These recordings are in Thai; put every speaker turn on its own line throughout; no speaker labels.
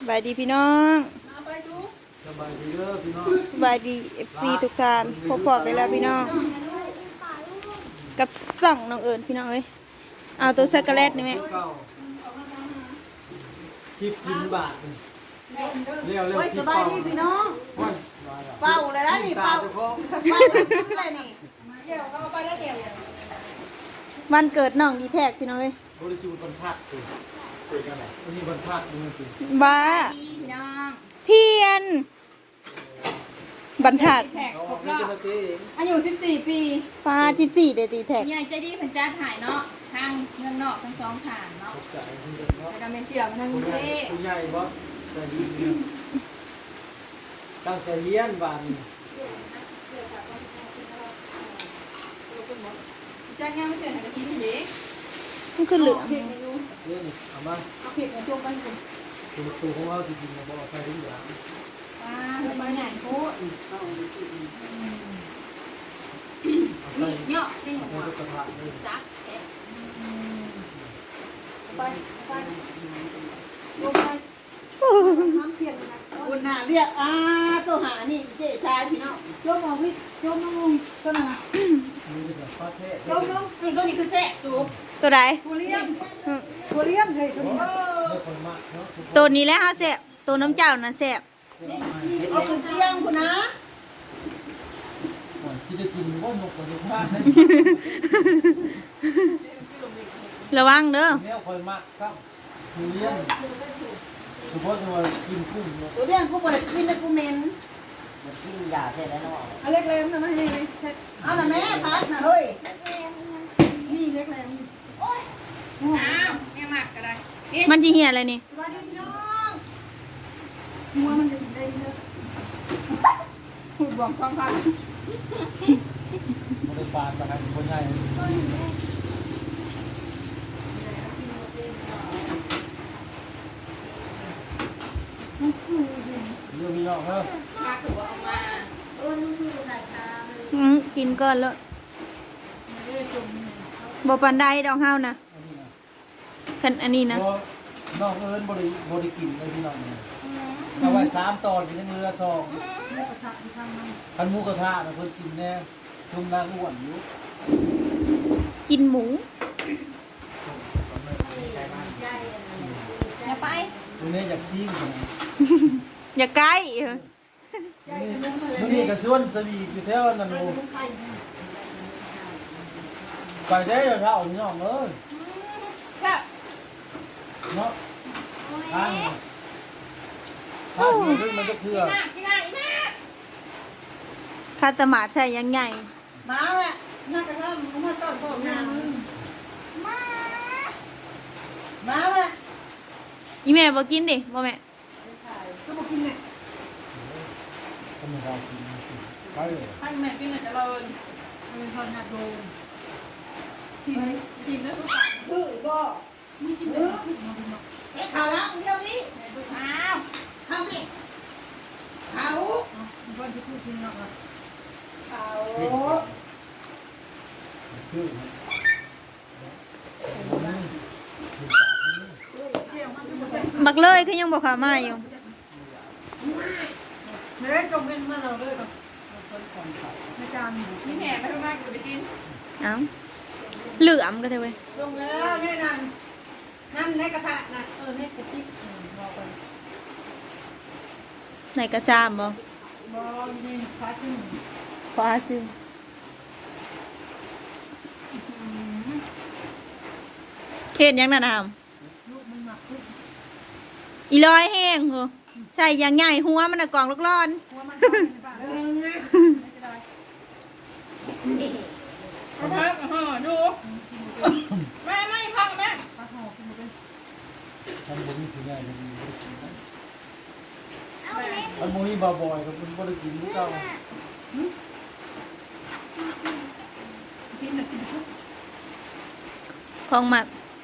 บายดีพี่น้อง
สบายดีเด้อพี่น้อง
สบายดี FC ทุกท่านพบกันแล้วพี่น้องกับส่องน้องเอิญพี่น้องเอ้ยเอาตัวช็อกโกแลตนี่ไหม
คลิปกินบาทเร็วเร็ว
สบายดีพี่น้องเป่าเลยนะนี่เป่าอะไรนี่เดี๋ยวเราไปแล้วเดี๋ยว
วันเกิดน้องดีแท็กพี่น้องเอ้ย
บริจูบรรทัดคือกันไหนวันนี้บรรทัดนี่คือ
บ้า
พี่น้อง
เทียนบรรทัด
แท็ก
เขา
ครบ
ไม่
รอ
จะ
บ
มาตีเอง
อายุ14 ปี
ฟ้า14เดตีแท็ก
ใหญ่ใจดีเพันจ้าถ่ายเนาะทางเงินนอกทั้งสองฐานเนาะ
ตกใจคุณเด็กเนาะ
แต่ก็ไม่เสียมาทางกรุงเทพ
คุณใหญ่บอสใจดีเนี่ยตั้งใจเลี้ยนบาท
จ้างงานไม่เกินหากินเด็ก
มันคือเหลือง
เลี้ยนเอามา
เอาเผ็ดมาจุ่มไปคุณ
ตัวของเราจริงๆนะบอกใครทุกอย่าง
ว้าไปไหนโคตรนี่เนาะเป็นหั
ใช้
ว
ลูกกระทะเลย
จักแท็ก
ไปลงไปน้ำเพียนนะคุณน่ะเรียกตัวหานี่เจ๊ชายพี่น้องโยมเอาวิโยมน้องตัวน่ะ
นี่เป็นฟ้าเทศ
โยมน้อง
ตัวนี้คือแซ่จูบ
ตัวใด
ตัวเลี้ยงตัวเลี้ยงเฮ้ยตัวนี้
เลือกคนมากเนาะ
ตัวนี้แหล้วเฮาแซ่บตัวน้ำเจ้านั่นแซ่บ
เอาขึ้นเตียงคุณนะ
ก่อนที่จะกินว่านกกระดูกมาก
ระวังเด้อ
แมวคอยมากครับคือเลี้ยงเฉพาะจะมากินกุ้งเนาะ
ตัวเลี้ยงกูบ่ได้กินนะกูเหม็น
มันกินยาแท้แล้วเนาะ
เอาเล็กแรงนะไม่ให้เอาน่ะแม่พักนะเฮ้ยนี่เล็กแรง
อ้าวเนี่ยมากก็ได้
มันสิเหี่ยอะไรนี่
สวัสดีพี่น้องหัวมันจะได้เนอะ
พูดบอกความพัก
มันเป็นปลาตะไคร้คนใหญ่เรื่องมีเนาะเฮ้ย
มาถือว่าออกมา
กินก่อนแล้วบ่ปานใดดอกเฮานะคันอันนี้นะ
น้องเอิญบริกินเลยพี่น้องเนี่ยเอาไว้3 ตอนกินยังเรือ2คันหมูกระทะนะเพิ่นกินแน่ชุ่มนางอ้วนอยู่
กินหมู
อย่าไป
ตรงนี้อยากซิ่งนะ
อย่าใกล้
มันมีกระส่วนสวีอยู่แถวนั่นโอ้ไปได้เดี๋ยวเท่าพี่น้องเอ้ย
แค่
เนาะทางอยู่ด้วยมันก็เพื่อ
กินหน้าอีหน้า
คาตามาใช่ยังไง
มาแหละน่ากระทำมันมาต้อนพ่อแม่มาแหละ
อีแม่บ่กินดิบ่แม่
ก็มากินเนี่ย
ทำไมเรากินไปเลย
ให้แม่กินหน่อยจะเลิน
เป็นคนนักโดน
ทีมแล้วสุด
คือบ่มึงกินเด้อเอ๊ะข่าวแล้วเดี๋ยวนี้
สุดท้าว
ข่าวนี่ข่าวคนที่พูดจริงเนาะข่าว
คือ
บักเลยคือยังบ่เข้ามาอยู่
เฮ้ยจงเป็นมาเราเลยแบบในการ
นี่แหน่ไปมากจะไปกิน
เอ้าเหลื่อมก็เถอะเว้ย
ลงแล้วแน่นั่นนั่นในกระทะน่ะในกระติกบอกไป
ไหนกระซามบ่
บอกนี่ฟ้าขึ้น
ฟ้าซึมเขตยังน่ะนาม
ลูกมันหมักขึ้น
อีลอยแห้งเหรอใส่อย่างใหญ่หัวมันน่ะกล่องลูกร้อน
หัวมันเข้าไปในปากเรื่องไงไม่ได้
พักดูแม่ไม่พักแม่
ปลาหอกินหมดเลย
ทำบุญนี่คือง่ายเลยทำบุญนี่บ่อยๆกับมันบริกินพวกเรา
กินหนักสิ
ของหมัก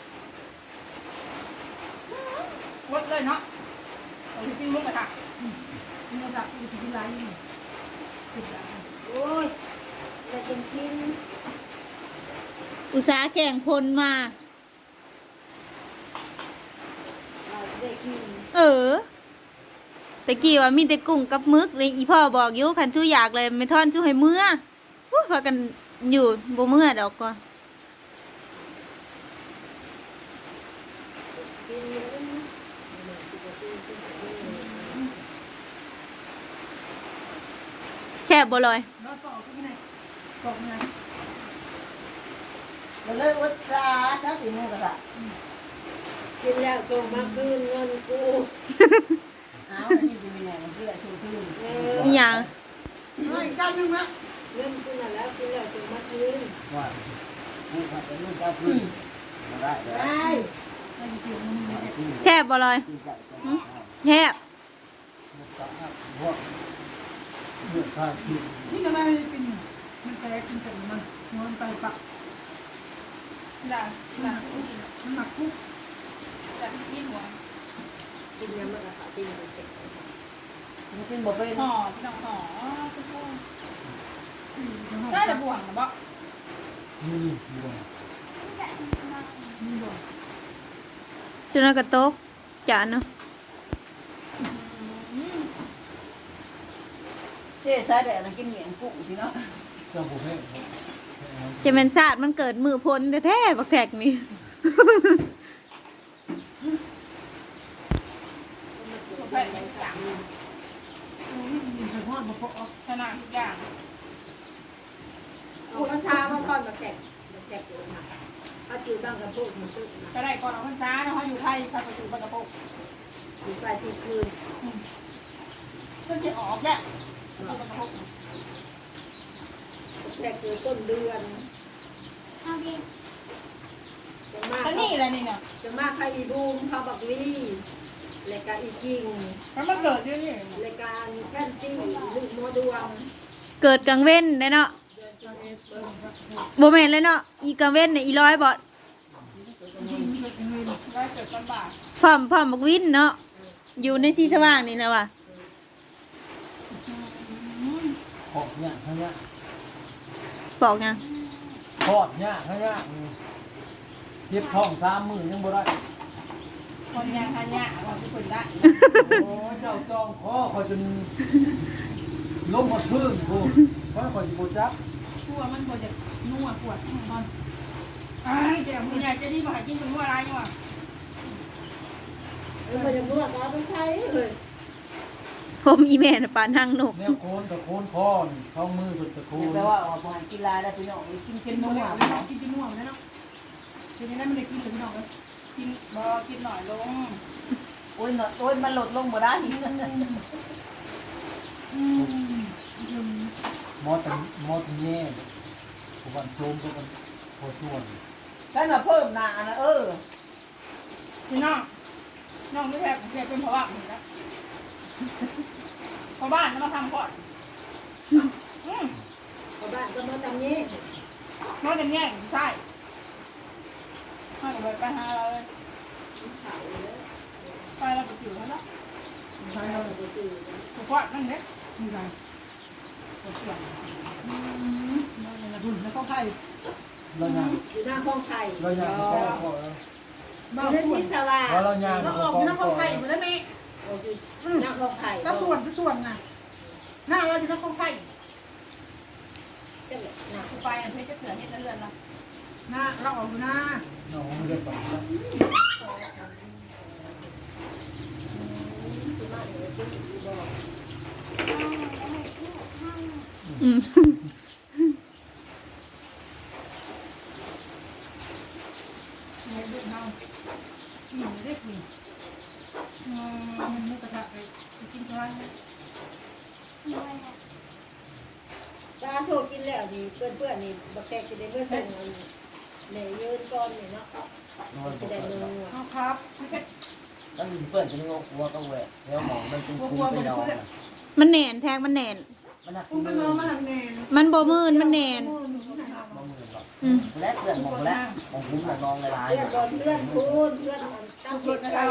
วดเลยเนาะเอาที่จิ้มมุกกระทะ
กินระดับอยู่ที่ไรนี่ติดแล้วโอ้ยจะเป็นกิน
อุตสาห์แข่งพลมา
เราได้กิน
เออตะกี้ว่ามีแต่กุ้งกับมึกเลยอีพ่อบอกอยู่คันชูอยากเลยไม่ทอนชูให้เมื่ออู้พากันอยู่บ่เมื่อดอกก็แค่บ่ลอย
รถปอกที่ไหนปอกไงเราเลยวัดซาถ้าตีมือกระดาษ
กินแล้วส่งมาคืนเงินกู
เอาอันนี้จะมีไงมันคืออะไรคือคือ
อีหยัง
น้อยจ้านึงมั้ย
เงินกูน่ะแล้วกินแล้วส่งมาคืน
ว่าผู้ขับเป็นลูกเจ้าพื้นมาได้แล้ว
ได้
แช่บบ่ลอยแช่บ
พวกเลือดข้างที่
นี่ทำไมเป็นมันแตกเป็นแต่มันนอนไปปะ
ด่าด่า
มันหนักคุก
ด่ากินหัว
กินยังมันก็ขากินไปเสร็จ
มันเป็นบ่เป็น
ห่อพี่น้องห่อทุกคนได้แต่บ่วงนะบ่
นี่บวง
จนกระตกจานเนาะ
เจ๊สายแดดนะกินเหมียงกุ้งสิเนาะ
เจ้าผู้เพ่ง
จะเป็นศาสตร์มันเกิดมือพ้นแท้ๆบักแทกนี่
แผ่นอย่างจัง
ไปฮอดมาพอ
ชนะทุกอย่าง
เอาข้าวเช้ามาก่อนมาแกะอยู่นะเอาจิ๋วตั้งกับพวกมันตึ๊บนะ
ก็ได้ก่อนเอาพรรษาเนาะอยู่ไทยพาไปสู่ปตะปก
อยู่ไปที่คืน
ก็จะออกแหละปตะปก
แกะเจอต้นเดือนจะมา
แล้วนี่อะไรนี่เนี่ย
จะมาใครอีบูมเขาบักลี่รายการอีกิ่ง
มันมาเกิดที่นี่
รายการแค่นตี้ลูกโมดวง
เกิดกลางเว้นได้เนาะบ่แม่นเลยเนาะอีกลางเว้นเนี่ยอีร้อยบ่
ได้เกิดตอนบ่าย
พร้อมบักวินเนาะอยู่ในที่สว่างนี่นะว่ะ
ขอบเนี่ยข้างเนี่ย
บอกยัง
ขอบเนี่ยข้างเนี่ยเทียบท้อง30,000ยังบ่ได้
คนยังหันยะเราทุกคนได้
โอ้เจ้าจองคอคอยจนล้มหมดพื้นกูเพราะคอยสิบ่จับ
ชั่วมันควรจะนัวปวดตอนไอ้เดี๋ยวคุณยายจะดีมาหากินเป็นว่าอะไรอยู่อ่ะ
มันจะนวดเอาไปใช้เลย
ผมอีแม่น่ะปานทางนก
แนวโคนกับโคนคอนสองมือกับตะโค
แปลว่าออกมากีฬาได้พี่น้องกิน
กิ
เป็น น
นั
นั
ว
ว
เลยเนาะกินเป็นนัวเลยเนาะเป็นยังไงมันได้กินหรือพี่น้องเลยกินบ่กินหน่อยลง
โอ้ยโอ้ยมันหลดลงบ่ได้
มอดแย่ผู้วันโซมผู้วันพอส่วน
แค่น่ะเพิ่มหนานะ
พี่น้องน้องไม่แพ้ผมเป็นเพราะว่าผมนะเพราะบ้านจะมาทำก่อน
ชาวบ้านก็มาทำนี้
น้องจะแย่งใช่ให้เลยไปหาเราเลย
ขายเลย
ไปเราไปอยู่แล้วเนาะ
ขายเราไปซื้อ
ถูกว่านั่นเด็ก
มีไร
ดุนแล้วก็ไข่
เราย่าง
อยู่หน้าห้องไข่
เราย่างก็พอแล้ว
อยู่ในสีสว่าง
เพราะเราย่าง
แล้ว
ก็
ออก
พอ
อยู่หน้าห้องไข่หมดแล้วแม่
หน้าห้องไข่
แล้วส่วนน่ะหน้าเราอยู่หน้าห้องไข่
ไปเพชรจะเถื่อนให้เลื่อนละ
หน้าเราออกอยู่หน้า
น้องไม่ได้ไปแล้ว
อืม
ไม่ดุนเอา
หนูได้คุย
มันมุกกระทะไปกินข้าว
ตาโทรกินแล้วนี่เพื่อนๆนี่บักแตกจะได้เมื่อส่งเนี่ยยืนก่อนนี่เนาะจะได้นัว
เอาครับ
ตั้งเพื่อนจะงงวัวก็แหวกแล้วหมองมันเป็นคุ้มไปนอน
มันแหน่นแทงมันแหน่น
มันหัก
คุณ
มื
เป็
อน
น้องมันหลังแนน
มันบ่มื่นมันแหน่น
มามือหรอก
อืม
และเพื่อนมองแล้วมองคุ้มมองนองหลาย
เพื่อนบอลเพื่อนคูณเพื่อนตั้งเด็กไข่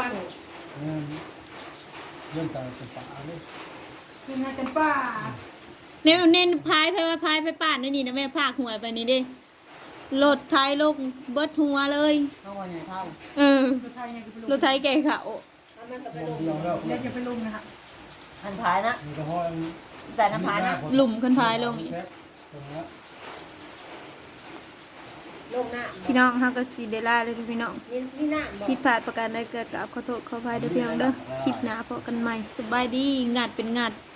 เรื่องการศึกษาเนี่ย
คือไงกันป้า
เน้นพายไปว่าพายไปป่านนี่นะแม่พากหัวไปนี่ดิรถไทยลงเบิดหัวเลย
เข้ามาในเท่า
เออ
รถไทยไงคือไปล
รง ถไทยแก่เขา
มันก็ไปลง
เดียวแล้ว
เดี๋ยวจะไปลงนะคะ
คันพายนะ
มีกระห้อย
แต่คันพายนะ
หลุมขึ้นพายลงอีก
ตรงนี้
ลงหน้า
พี่น้องเฮาก็สิได้ลาเลยพี่น้อง
มีหน้าบอก
ผิดพลาดประการใดก็กราบขอโทษขออภัยด้วยพี่น้องเด้อคลิปหน้าพบกันใหม่สบายดีงานเป็นงาน